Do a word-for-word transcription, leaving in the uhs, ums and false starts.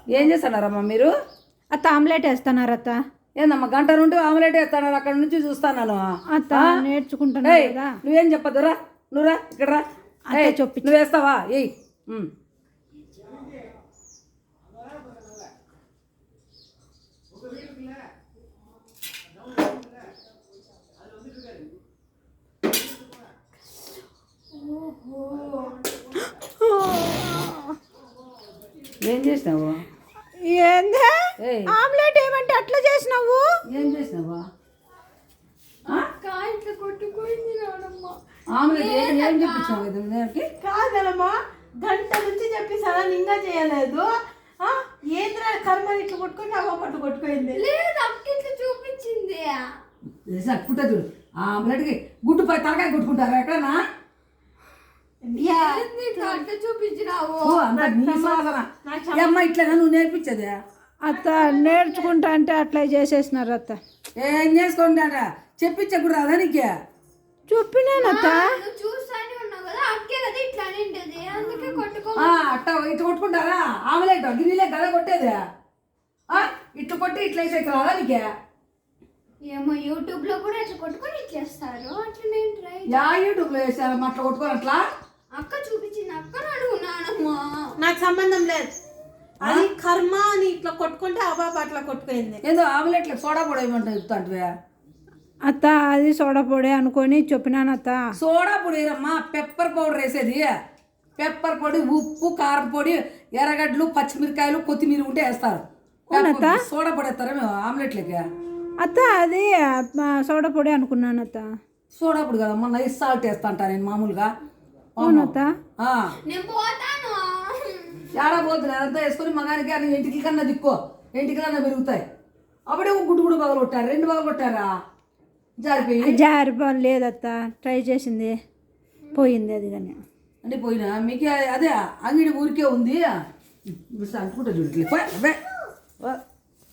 ఏం చేస్తున్నారమ్మా మీరు? అత్త ఆమ్లెట్ వేస్తున్నారు అత్త. ఏందమ్మా గంట నుండి ఆమ్లెట్ వేస్తున్నారు, అక్కడ నుంచి చూస్తాను. అత్త నేర్చుకుంటున్నా కదా. నువ్వేం చెప్పదురా, నువ్వురా ఇక్కడ రా. చెప్పి నువ్వు వేస్తావా? ఏయ్ ఏం చేసినావు? ఏందే ఆమ్లెట్ ఏమంటే అట్లా చేసినావు? ఏం చేసినావా? ఇట్లా కొట్టుకుంది ఆమ్లెట్ ఏం చెప్పించావు? ఇది కాదమ్మా, గంట నుంచి చెప్పి సడన్ ఇంకా చేయలేదు. ఏంద్రా కర్మ ఇట్లా కొట్టుకుని అవ్వ పట్టు కొట్టుకుంది. లేదు అక్క ఇట్లా చూపించింది. పుట్ట చూడు ఆమ్లెట్కి గుడ్డు పై తలకాయ కొట్టుకుంటారా ఎక్కడన్నా? చూపించినావు అమ్మ ఇట్లా నువ్వు నేర్పించదే. అత్త నేర్చుకుంటా అంటే అట్లా చేసేసినారు అత్త. ఏం చేసుకుంటా చెప్పించకూడదు రాదా నీకే? చెప్పినానత్త. చూస్తానే ఉన్నావు కదా అక్కే కదా ఇట్లా నిండేది, అందుకే కొట్టుకో. అట్ట ఇట్లా కొట్టుకుంటారా? ఆమ్లెట్ గిన్నెలే గద కొట్టేది. ఇట్లా కొట్టి ఇట్లా వేసే రాదా నీకే? ఏమో యూట్యూబ్ లో కూడా ఇట్లా కొట్టుకొని ఇచ్చేస్తారు. అట్లా నేను ట్రై యా యూట్యూబ్ లో వేసారు అట్లా కొట్టుకొని అట్లా. అక్క చూపించింది, అక్క అడుగున్నానమ్మా. నాకు సంబంధం లేదు, అది కర్మ అని ఇట్లా కొట్టుకుంటే అబాబా అట్లా కొట్టుకుంది. ఏదో ఆమ్లెట్లు సోడా పొడి ఏమంటావు చెప్తాంటివే అత్త? అది సోడా పొడి అనుకొని చెప్పినాను అత్త. సోడా పొడి వేరమ్మా, పెప్పర్ పౌడర్ వేసేది. పెప్పర్ పొడి, ఉప్పు, కారం పొడి, ఎర్రగడ్డలు, పచ్చిమిరకాయలు, కొత్తిమీర ఉంటే వేస్తారు. సోడా పొడి వేస్తారా మేము ఆమ్లెట్లకి? అత్త అది సోడా పొడి అనుకున్నాను అత్త. సోడా పొడి కదమ్మా, నైస్ సాల్ట్ వేస్తా అంటా నేను మామూలుగా. అవునత్త. ఏడా పోతుంది అదంతా వేసుకొని మగానికి అని ఇంటికి కన్నా దిక్కో, ఇంటికి కన్నా పెరుగుతాయి. అప్పుడే ఒక గుడ్డు గుడ్డు పగలు కొట్టారు, రెండు పగలు కొట్టారా? జారిపోయి జారిపోయి లేదత్త, ట్రై చేసింది పోయింది అది. కానీ అంటే పోయినా మీకు అదే అంగిడి ఊరికే ఉంది. అనుకుంటా చూడట్లే.